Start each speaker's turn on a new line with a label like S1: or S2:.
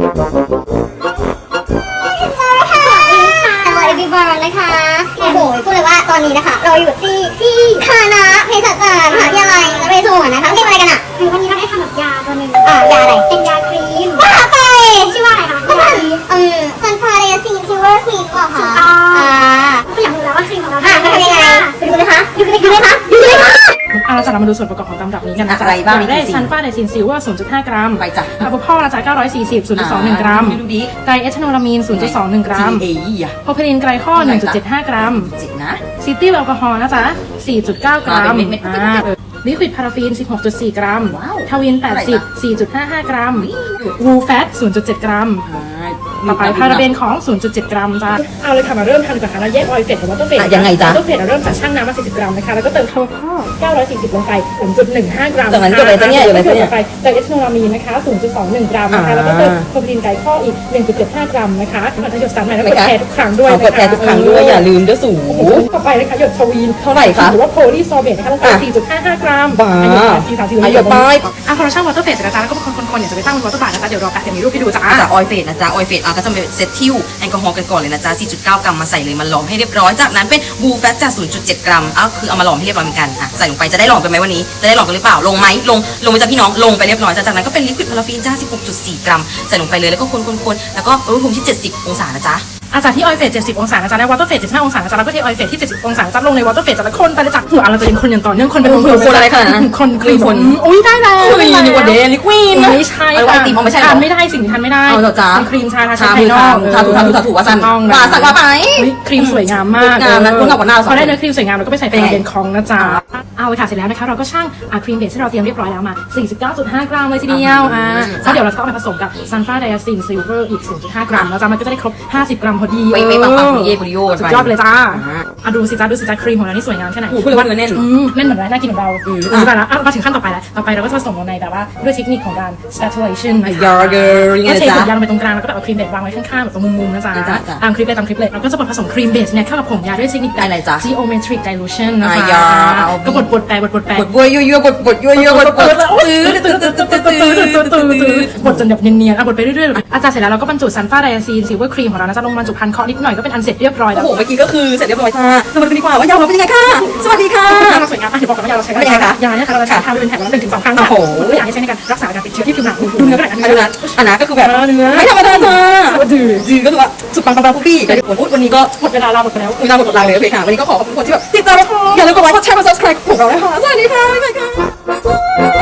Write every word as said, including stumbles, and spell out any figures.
S1: นะคะโอ้โหพูดเลยว่าตอนนี้นะคะเราอยู่ที่ที่คณะเภสัชศาสตร์มหาวิทยาลัยนเรศวรนะคะเรียกอะไรกันอ่ะคือวันนี้เราได้ทำแบบยาตัวหนึ่งอ่ายาอะไรเป็นยาครีมว่าไปชื่อว่าอะไรคะก็ซันเอ่อซันพาเรซีนซิลเวอร์ครีมเหรอคะอ่าคุณอยากรู้แล้วว่าครีมของเราอ่ะมันทำยังไงไปดูเลยคะดูเลยดูเลยคะดูเลยคะ
S2: เราจะมาดูส่วนประกอบของตำรับนี้กันนะจ๊ะ
S3: อะไรบ้าง
S2: ได้ซันฟาไดซินซิลเวอร์ ศูนย์จุดห้า กรัม
S3: ไปจ้ะ
S2: อะโวคาโดนะจ๊ะเก้าร้อยสี่สิบ ศูนย์จุดสองหนึ่ง กรัม
S3: ดูดิ
S2: ไตรเอทานอลามีน ศูนย์จุดสองหนึ่ง กรัม
S3: เอ้ย
S2: โพเพลินไกลคอล หนึ่งจุดเจ็ดห้า กรัม
S3: จิตนะ
S2: ซิตี้แอลกอฮอล์นะจ๊ะ สี่จุดเก้า กรัม
S3: เป็นเม็ดๆ
S2: อ่าลิควิดพาราฟีน สิบหกจุดสี่ กรัม
S3: ว้าว
S2: ทวิน แปดสิบ สี่จุดห้าห้า กรัมวูแฟต ศูนย์จุดเจ็ด กรัมต่อไปพาราเบนของ ศูนย์จุดเจ็ด กรัมจ้ะเอาเลยค่ะมาเริ่มทำก่อนค่ะเราแยกออยล์เฟสกับวอเตอร์เฟส
S3: ยังไงจ๊ะ
S2: วอเตอร์เฟสเราเริ่มจากชั่งน้ำมาสี่สิบกรัมนะคะแล้วก็เติมคาร์บอนเก้าร้อยสี่สิบลงไป ศูนย์จุดหนึ่งห้า กรัม
S3: จากนั้นก็เลยจะเนี่ยอยู่เลยเนี่ย
S2: ต่อไปไตรเอทานอลามีนนะคะ ศูนย์จุดสองหนึ่ง กรัมนะคะแล้วก็เติมโพเพลินไกลคอลอีก หนึ่งจุดเจ็ดห้า กรัมนะคะก่อนจะหยดสารใหม่แล้วกดแชร์ทุกครั้งด้วยนะคะ
S3: กดแชร์ทุกครั้งด้วยอย่าลืมด้วยสูง
S2: ต่อไปนะคะหยดทวีน
S3: เท่าไหร่คะ
S2: หรือว่าโพลีซอเบตนะคะลงไป สี่จุดห้าห้า กรัม
S3: บ้า
S2: หยดสี่สามสี่
S3: อ่ะหยดไป
S2: อ่ะพอเราชั่งวอเตอร์เฟสเสร็จแล้วจ้าแล้วก็คนๆๆเนี่ยจะไปตั้งบนวอเตอร์บาร์นะจ๊ะเดี๋ยวรอแป๊บเดี๋ยวมีรูปให้ดูจ้า
S3: จากออยเฟสนะจ๊ะออยเฟสอ่ะก็จะเป็นเซตทิวแอลกอฮอล์กันก่อนเลยนะจ๊ะ สี่จุดเก้า กรัมมาใส่เลยมันหลอมให้เรียบร้อยจากนั้นเป็นบูแฟตจาก ศูนย์จุดเจ็ด กรัมอ่ะคือเอามาหลอมให้เรียบร้อยเหมือนกันอ่ะใส่ลงไปจะได้หลอมกันไหมวันนี้จะได้หลอมกันหรือเปล่าลงไหมลงลงไปจ้ะพี่น้องลงไปเรียบร้อยจ้ะจากนั้นก็เป็นลิควิดพาราฟีนจ้า สิบหกจุดสี่ กรัมใส่ลงไปเลยแล้วก็คนๆๆแล้วก็อุณหภูมิที่เจ็ดสิบองศานะจ๊ะ
S2: อาจากที่ออยเฟสเจ็ดสิบองศานะจ๊ะในวอเตอร์เฟสเจ็ดสิบห้าองศานะจ๊ะแล้วก็ที่ออยเฟสที่เจ็ดสิบองศานะจ๊ะลงในวอเตอร์เฟสจะละคนไปเลยจ้ะหัวเราจะเป็นคนอย่างต่อเนื่องคนเป็น
S3: คนอะไรขนาดนั้น
S2: คนคลีน
S3: คน
S2: อุ้ยได้แล้ว
S3: คลีนดีกว่าเดลิควีน
S2: ไม่ใช่
S3: ไอ้ไอติมไม่ใช่หรอ
S2: ทานไม่ได้สิ่งที่ทานไม่ได้
S3: เอาเหรอจ๊ะ
S2: เป็นครีมชาทา
S3: ทา
S2: ภายนอก
S3: ทาถูทาถูทาถูว่าสั่น
S2: ต้อง
S3: ว่าสั่นว่าไป
S2: ครีมสวยงามมาก
S3: งามนะคุณกับหัวหน้า
S2: พอได้เนื้อครีมสวยงามเราก็ไปใส่
S3: เป็น
S2: เป็น
S3: ไง
S2: เบนคองนะจ๊ะเอาเลยค่ะเสร็จแล้วนะคะเราก็ชั่งอ่ะครีมเบสที่เราเตรียมเรียบร้อยแล้วมา สี่สิบเก้าจุดห้า กรัมเลยทีเดียวอ่าแล้วเดี๋ยวเราจะเอาไปผสมกับซันฟาไดอะซินซิลเวอร์อีก ศูนย์จุดห้า กรัมแล้วจ้ะมันก็จะได้ครบห้าสิบกรัมพอดี
S3: ไม่ไม่ปังปังเย่กุริโย
S2: สุดยอดไปเลยจ้าอ่ะดูสิจ้าดูสิจ้าครีมของเรานี่สวยงามแค่ไหน
S3: โอ้โหพูดเลยว่าเนื้อแน่น
S2: อืมแน่นเหมือนไรน่ากินเหมือนเรา
S3: อืม
S2: อ่ะแล้วมาถึงขั้นต่อไปแล้วต่อไปเราก็จะผสมลงในแบบว่าด้วยเทคนิคของการ spatulation นะคะ
S3: ยาเกอร์ยังไง
S2: ก็เท
S3: จ๊ะ
S2: ถุงยางลงไปตรงกลางแล้วก็แบบเอาครีมเบสวางไว้ข้างๆแบบตรงมุมๆนะจ๊ะ
S3: จ้ะจ้ะ
S2: ตามคลิปเลยตามคลิปเลยเราก็จะบดผสมครีมเบสเนี่ยเข้ากับผงยาด้วยเทคนิคแบบ
S3: อะไรจ๊ะ
S2: geometric dilution นะ
S3: อ่ะ
S2: จ๊ะ
S3: ยาเอา
S2: ก็บดบดแปะบดบดแปะ
S3: บดบัวยั่วยั่วบดบดยั่วยั่วบดบดตื้อตื้อตื้อตื้อตื้อตื้อตื้อตื้อบ
S2: ดจนแบบเนียนๆอ่ะบดไปเรื่อยๆอาจารย์เสร็จแล้วเราก็บรรจุซันฟาไดอะซีนซิลเวอร์ครีมของเรานะจ๊ะลงบรรจุพันเคาะนิดหน่อยก็เป็นอันเสร็จเรียบร้อย
S3: โอ้
S2: แล้ว
S3: โหเมื่อกี้ก็คือเสร็จเรียบร้อยค่ะสวัสดีกว่าว่ายาเราเป็นยังไงค่ะสวัสดีค่ะ
S2: เราสวยงามอ่ะเดี๋ยวบอกก่อนว่ายาเราใช้
S3: เป็นยังไงคะ
S2: ยาเนี่ยค่ะเราจะใช้ทาเป็นแผ่นละหนึ่งถึงสองครั้ง
S3: โอ้โห
S2: เพื่ออยากให้ใช้ในการรักษาการติดเชื้อที่ผิวหนังดูเนื้อก็ได้
S3: อันนั้นอันนั้นก็คือแบบ
S2: เนื้อ
S3: ไม่ธรรมดาจ้า
S2: ดื้อ
S3: จือก็คือว่าสุดปังปังปังปุ๊บปี้แต่ผมพูดวันนี้ก็
S2: หมดเวลาเราหมดไปแล้ว
S3: คุยตามกดไลค์เลยโอเคค่ะวันนี้ก็ขอขอบคุณคนที่แบบติดตามเราอย่าลืมกดไลค์กดแชร์กด subscribe ของเราด้วยค่ะสวัสดีค่ะบ๊ายบายค่ะ